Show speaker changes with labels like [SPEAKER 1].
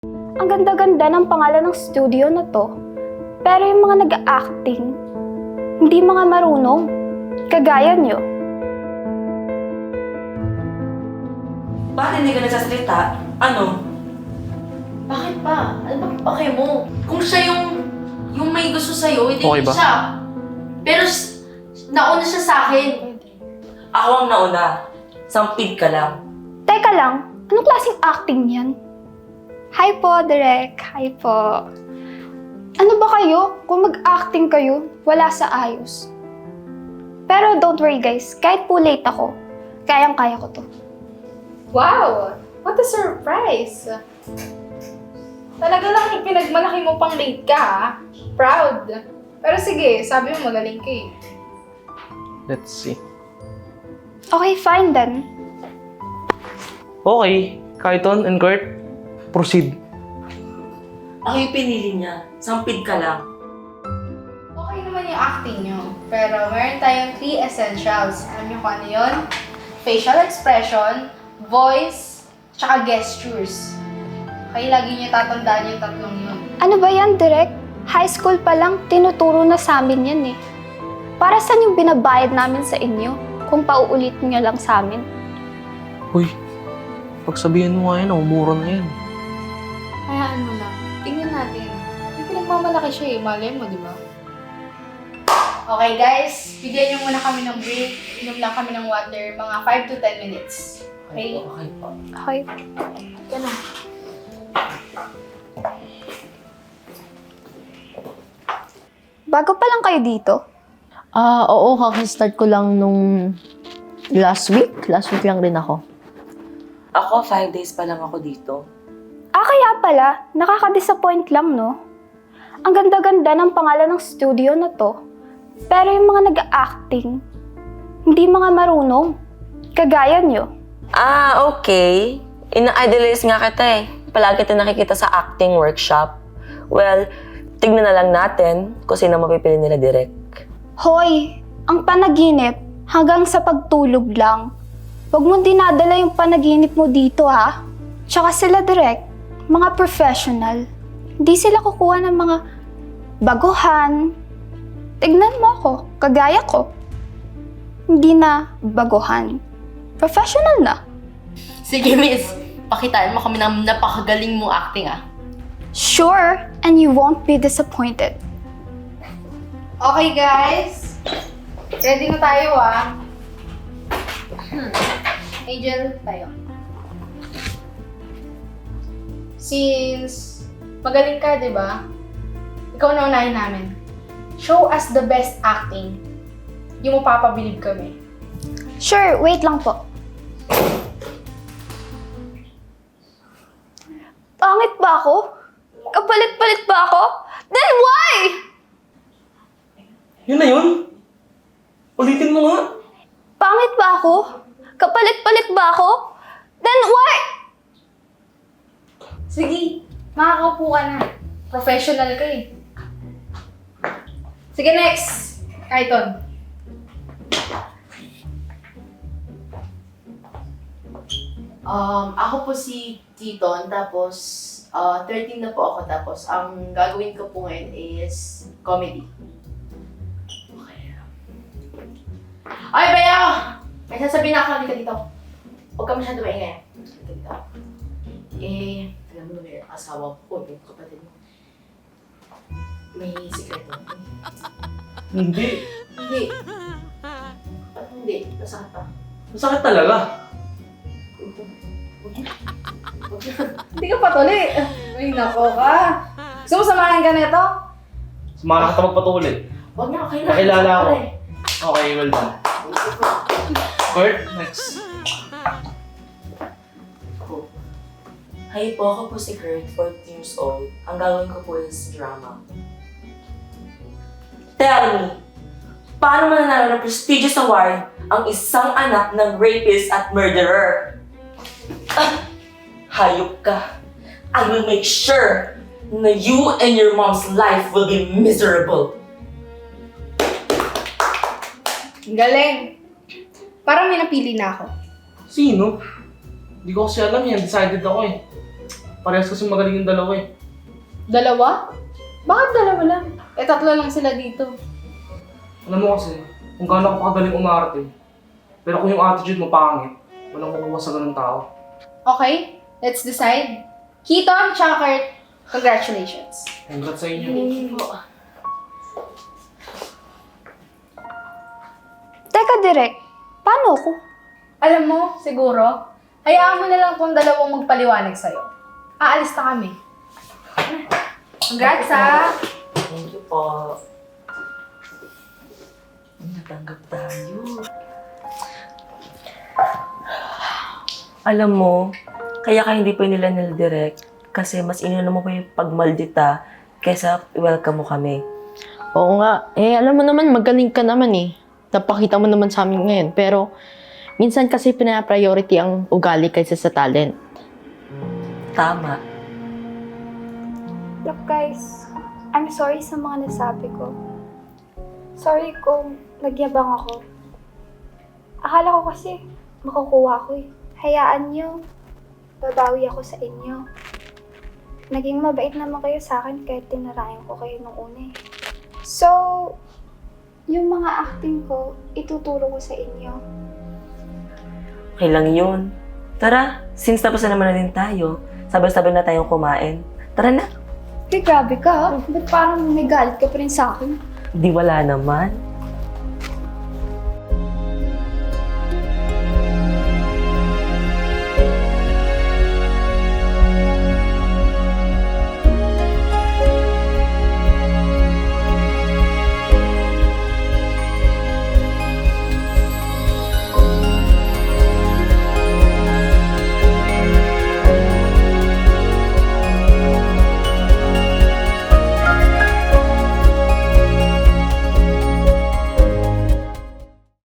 [SPEAKER 1] Ang ganda-ganda ng pangalan ng studio na to. Pero yung mga nag-acting, hindi mga marunong. Kagaya nyo.
[SPEAKER 2] Bakit hindi ka nagsasalita? Ano?
[SPEAKER 3] Bakit pa? Ano ba pake mo? Kung siya yung may gusto sa'yo, hindi
[SPEAKER 4] Okay ba?
[SPEAKER 3] siya. Pero nauna siya sa akin.
[SPEAKER 2] Ako ang nauna. Sampid ka lang.
[SPEAKER 1] Teka lang, anong klaseng acting yan? Hi po, Direk. Hi po. Ano ba kayo? Kung mag-acting kayo, wala sa ayos. Pero don't worry guys, kahit po late ako, kayang-kaya ko to.
[SPEAKER 5] Wow! What a surprise! Talaga lang ipinagmalaki mo pang late ka, ha? Proud. Pero sige, sabi mo magaling ka eh.
[SPEAKER 4] Let's see.
[SPEAKER 1] Okay, fine then.
[SPEAKER 4] Okay, Kaiton and Kurt, proceed.
[SPEAKER 2] Ako yung pinili niya. Sampid ka lang.
[SPEAKER 5] Okay naman yung acting nyo. Pero meron tayong 3 essentials. Alam niyo kung ano yun? Facial expression, voice, tsaka gestures. Okay, lagi niyo tatandaan yung tatlong yun.
[SPEAKER 1] Ano ba yan, Direk? High school pa lang, tinuturo na sa amin yan eh. Para saan yung binabayad namin sa inyo kung pauulitin nyo lang sa amin?
[SPEAKER 4] Uy, pagsabihin mo nga yan, umura na yan.
[SPEAKER 5] Hayaan mo lang. Tingnan natin. May pinagmamalaki siya eh. Malay mo, di ba? Okay guys, bigyan niyo muna kami ng break. Inom lang kami ng water. Mga 5 to 10 minutes. Okay?
[SPEAKER 2] Okay po.
[SPEAKER 1] Okay.
[SPEAKER 5] Yan na.
[SPEAKER 1] Bago pa lang kayo dito?
[SPEAKER 3] Oo, kakastart ko lang nung last week. Last week lang rin ako.
[SPEAKER 2] Ako, 5 days pa lang ako dito.
[SPEAKER 1] Kaya pala, nakaka-disappoint lang, no? Ang ganda-ganda ng pangalan ng studio na to. Pero yung mga nag-acting, hindi mga marunong. Kagaya nyo.
[SPEAKER 2] Okay. Ina-idolize nga kita eh. Palagi kita nakikita sa acting workshop. Well, tignan na lang natin kung sino mapipili nila direct.
[SPEAKER 1] Hoy, ang panaginip hanggang sa pagtulog lang. Huwag mo dinadala yung panaginip mo dito, ha? Tsaka sila direct, mga professional. Hindi sila kukuha ng mga baguhan. Tignan mo ako, kagaya ko. Hindi na baguhan. Professional na.
[SPEAKER 3] Sige, miss. Pakitaan mo kami ng napakagaling mong acting, ah.
[SPEAKER 1] Sure, and you won't be disappointed.
[SPEAKER 5] Okay guys. Ready na tayo ah. Angel, tayo. Since magaling ka, di ba? Ikaw na unahin namin. Show us the best acting. Yung mapapabilib kami.
[SPEAKER 1] Sure, wait lang po. Pangit ba ako? Kapalit-palit ba ako? Then why?
[SPEAKER 4] Yun na yun? Ulitin mo nga.
[SPEAKER 1] Pangit ba ako? Kapalit-palit ba ako? Then why?
[SPEAKER 5] Sige, makakaupo ka na. Professional ka eh. Sige, next. Kaiton.
[SPEAKER 3] Ako po si Kiton, tapos 13 na po ako, tapos ang gagawin ko po ngayon is comedy. Okay. Ay, Bayaw! May sasabihin na ako, halika dito. Huwag ka masyado maingay. Halika dito. Alam mo na may asawa ko, yung kapatid mo. May sikreto.
[SPEAKER 4] Hindi.
[SPEAKER 3] Hindi. Ba't hindi? Nasakit pa.
[SPEAKER 4] Masakit talaga.
[SPEAKER 5] Hindi ka patuloy. Ay, nako ka. Gusto mo samahan ka nito?
[SPEAKER 4] Sumama ka magpatuloy.
[SPEAKER 3] Huwag na, okay na.
[SPEAKER 4] Nakilala ako.
[SPEAKER 3] Pare.
[SPEAKER 4] Okay, well done. Kurt, next.
[SPEAKER 2] Hi po, ako po si Kurt, 14 years old. Ang gagawin ko po is drama. Tell me, paano mananalo ng prestigious award ang isang anak ng rapist at murderer? Hayop ka. I will make sure na you and your mom's life will be miserable.
[SPEAKER 5] Galing. Parang may napili na ako.
[SPEAKER 4] Sino? Hindi ko kasi alam yan. Decided ako eh. Parehas kasi magaling yung dalawa eh.
[SPEAKER 5] Dalawa? Bakit dalawa lang? Eh, tatlo lang sila dito.
[SPEAKER 4] Alam mo kasi, kung gaano ka kagaling umarte, pero kung yung attitude mo pangit, walang makukuha sa ganung tao.
[SPEAKER 5] Okay, let's decide. Keaton, tsaka Kurt, congratulations.
[SPEAKER 4] Congrats sa inyo.
[SPEAKER 1] Teka, Direk. Paano ko?
[SPEAKER 5] Alam mo, siguro, hayaan mo na lang kung dalawang magpaliwanag sa'yo. Aalis na kami. Congrats, ha?
[SPEAKER 2] Thank you po. Natanggap tayo. Alam mo, kaya ka hindi pa nila nil-direct kasi mas inuna mo pa yung pagmaldita kaysa i-welcome mo kami.
[SPEAKER 6] Oo nga. Eh, alam mo naman, magaling ka naman eh. Napakita mo naman sa amin ngayon. Pero, minsan kasi pina-priority ang ugali kaysa sa talent.
[SPEAKER 2] Tama.
[SPEAKER 1] Look guys, I'm sorry sa mga nasabi ko. Sorry kung nagyabang ako. Akala ko kasi makukuha ko eh. Hayaan niyo, babawi ako sa inyo. Naging mabait naman kayo sa akin kahit tinarayan ko kayo nung una eh. So, yung mga acting ko, ituturo ko sa inyo.
[SPEAKER 2] Okay lang yun. Tara, since tapos na naman na din tayo, sabay-sabay na tayong kumain. Tara na.
[SPEAKER 1] Grabe ka ha? Ba't parang may galit ka pa rin sa akin?
[SPEAKER 2] Di wala naman.